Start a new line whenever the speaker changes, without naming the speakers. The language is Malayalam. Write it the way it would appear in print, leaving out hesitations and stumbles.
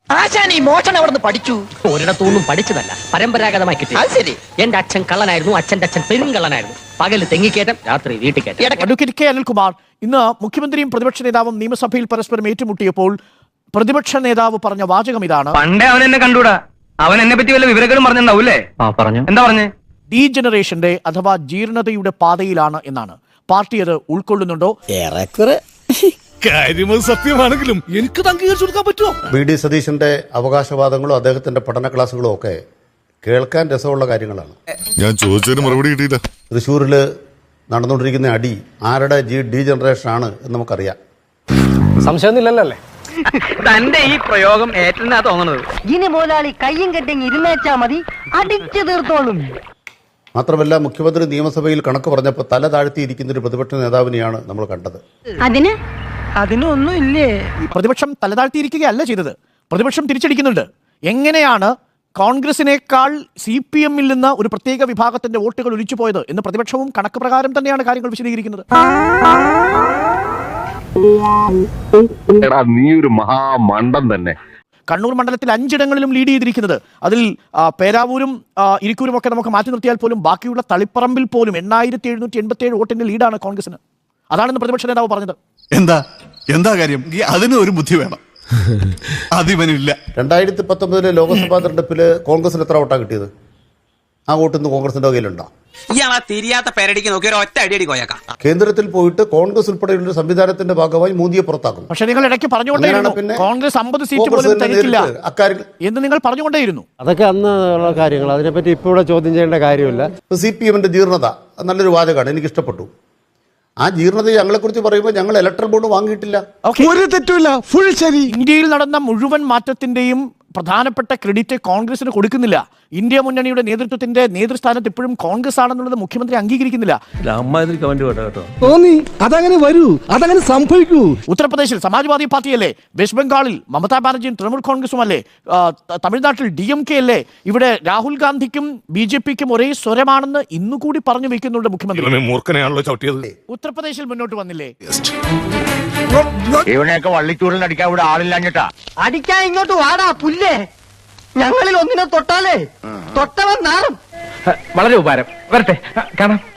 ആശാൻ ഈ മോഷണം അവിടെ നിന്ന് പഠിച്ചു?
ഒരിടത്തൊന്നും പഠിച്ചതല്ല, പരമ്പരാഗതമായി കിട്ടി.
അത് ശരി.
എന്റെ അച്ഛൻ കള്ളനായിരുന്നു, അച്ഛന്റെ അച്ഛൻ പെരുങ്കള്ളനായിരുന്നു. പകല് തെങ്ങിക്കേറ്റം, രാത്രി വീട്ടിൽ കയറ്റം.
അഡ്വക്കേറ്റ് കെ അനിൽകുമാർ, ഇന്ന് മുഖ്യമന്ത്രിയും പ്രതിപക്ഷ നേതാവും നിയമസഭയിൽ പരസ്പരം ഏറ്റുമുട്ടിയപ്പോൾ പ്രതിപക്ഷ നേതാവ് പറഞ്ഞ വാചകം ഇതാണ്:
പണ്ടേ അവൻ എന്നെ കണ്ടൂടാ, അവൻ എന്നെ പറ്റി വല്ല വിവരങ്ങളും പറഞ്ഞിട്ടുണ്ടാവൂലേ? പറഞ്ഞു. എന്താ പറഞ്ഞേ?
ഡീജനറേഷന്റെ അഥവാ ജീർണതയുടെ പാതയിലാണ് എന്നാണ്. പാർട്ടി അത് ഉൾക്കൊള്ളുന്നുണ്ടോ?
കാര്യമത് സത്യമാണെങ്കിലും എനിക്ക് അംഗീകരിച്ചു കൊടുക്കാൻ പറ്റുമോ?
വി.ഡി. സതീശന്റെ അവകാശവാദങ്ങളും അദ്ദേഹത്തിന്റെ പഠന ക്ലാസ്സുകളും ഒക്കെ കേൾക്കാൻ രസമുള്ള കാര്യങ്ങളാണ്.
ഞാൻ ചോദിച്ചതിന് മറുപടി കിട്ടിയില്ല.
തൃശ്ശൂരിൽ നടന്നുകൊണ്ടിരിക്കുന്ന അടി ആരുടെ ഡീജനറേഷൻ ആണ് എന്ന് നമുക്കറിയാം.
സംശയമൊന്നുമില്ലല്ലേ? തന്റെ ഈ പ്രയോഗം ഏറ്റെന്നാ തോന്നുന്നത്.
ഇനി മുതലാളി കയ്യും കെട്ടിങ് ഇരുന്നേച്ചാ മതി, അടിച്ചു തീർത്തോളും.
മാത്രമല്ല, മുഖ്യമന്ത്രി നിയമസഭയിൽ കണക്ക് പറഞ്ഞപ്പോൾ തല താഴ്ത്തിയിരിക്കുന്ന ഒരു പ്രതിപക്ഷ നേതാവിനെയാണ് നമ്മൾ കണ്ടത്.
അതിനൊന്നും ഇല്ലേ?
പ്രതിപക്ഷം തലതാഴ്ത്തിയിരിക്കുകയല്ല ചെയ്തത്, പ്രതിപക്ഷം തിരിച്ചടിക്കുന്നുണ്ട്. എങ്ങനെയാണ് കോൺഗ്രസിനേക്കാൾ CPM നിന്ന് ഒരു പ്രത്യേക വിഭാഗത്തിന്റെ വോട്ടുകൾ ഒലിച്ചുപോയത് എന്ന് പ്രതിപക്ഷവും കണക്ക് പ്രകാരം തന്നെയാണ് കാര്യങ്ങൾ വിശദീകരിക്കുന്നത്.
നീ ഒരു മഹാമണ്ടൻ തന്നെ.
കണ്ണൂർ മണ്ഡലത്തിൽ 5 ഇടങ്ങളിലും ലീഡ് ചെയ്തിരിക്കുന്നത്. അതിൽ പേരാവൂരും ഇരിക്കൂരും ഒക്കെ നമുക്ക് മാറ്റി നിർത്തിയാൽ പോലും ബാക്കിയുള്ള തളിപ്പറമ്പിൽ പോലും 8787 വോട്ടിന്റെ ലീഡാണ് കോൺഗ്രസിന്. അതാണെന്ന് പ്രതിപക്ഷ നേതാവ് പറഞ്ഞത്.
എന്താ കാര്യം? അതിന് ഒരു ബുദ്ധി വേണം, അതിവനില്ല.
2019 ലോക്സഭാ തെരഞ്ഞെടുപ്പിൽ കോൺഗ്രസിന് എത്ര വോട്ടാണ് കിട്ടിയത്? ആ വോട്ട് ഇന്ന് കോൺഗ്രസിന്റെ വകയിലുണ്ടോ?
തിരിയാത്ത പേരടിക്ക് നോക്കി ഒരു ഒറ്റ അടിയടി കോയക്കാം.
കേന്ദ്രത്തിൽ പോയിട്ട് കോൺഗ്രസ് ഉൾപ്പെടെയുള്ള സംവിധാനത്തിന്റെ ഭാഗമായി മോദിയെ പുറത്താക്കും.
പക്ഷേ നിങ്ങൾ ഇടയ്ക്ക് പറഞ്ഞുകൊണ്ടേയിരുന്നു കോൺഗ്രസ് 50 സീറ്റ് പോലും തനിക്കില്ല എന്ന് നിങ്ങൾ പറഞ്ഞുകൊണ്ടേയിരുന്നു.
അതൊക്കെ അന്ന് ഉള്ള കാര്യങ്ങൾ, അതിനെപ്പറ്റി ഇപ്പോൾ ഇവിടെ ചോദ്യം ചെയ്യേണ്ട കാര്യമില്ല.
CPMന്റെ ജീർണത നല്ലൊരു വാചകമാണ്, എനിക്ക് ഇഷ്ടപ്പെട്ടു. ആ ജീർണത ഞങ്ങളെക്കുറിച്ച് പറയുമ്പോൾ ഞങ്ങൾ ഇലക്ട്രൽ ബോണ്ട് വാങ്ങിയിട്ടില്ല.
ഒരു തെറ്റുമില്ല, ഫുൾ ശരി.
ഇന്ത്യയിൽ നടന്ന മുഴുവൻ മാറ്റത്തിന്റെയും പ്രധാനപ്പെട്ട ക്രെഡിറ്റ് കോൺഗ്രസിന് കൊടുക്കുന്നില്ല. ഇന്ത്യ മുന്നണിയുടെ നേതൃത്വത്തിന്റെ നേതൃസ്ഥാനത്ത് ഇപ്പോഴും കോൺഗ്രസ് ആണെന്നുള്ളത് മുഖ്യമന്ത്രി അംഗീകരിക്കുന്നില്ല.
തോന്നി അതങ്ങനെ വരൂ, അതങ്ങനെ സംഭവിക്കൂ.
ഉത്തർപ്രദേശിൽ സമാജ്വാദി പാർട്ടിയല്ലേ, വെസ്റ്റ് ബംഗാളിൽ മമതാ ബാനർജിയും തൃണമൂൽ കോൺഗ്രസും അല്ലേ, തമിഴ്നാട്ടിൽ DMK അല്ലേ, ഇവിടെ രാഹുൽ ഗാന്ധിക്കും BJPക്കും ഒരേ സ്വരമാണെന്ന് ഇന്നുകൂടി പറഞ്ഞു വെക്കുന്നുണ്ട് മുഖ്യമന്ത്രി.
മൂർഖനെയാണല്ലോ ചവിട്ടിയത്.
ഉത്തർപ്രദേശിൽ മുന്നോട്ട് വന്നില്ലേ?
ഇവനെയൊക്കെ വള്ളിച്ചൂടിൽ അടിക്കാൻ ഇവിടെ ആളില്ലാഞ്ഞിട്ടാ.
അടിക്കാൻ ഇങ്ങോട്ട് വാടാ പുല്ലേ. ഞങ്ങളിൽ ഒന്നിനെ തൊട്ടാലേ തൊട്ടവൻ നാറും.
വളരെ ഉപകാരം. വരട്ടെ, കാണാം.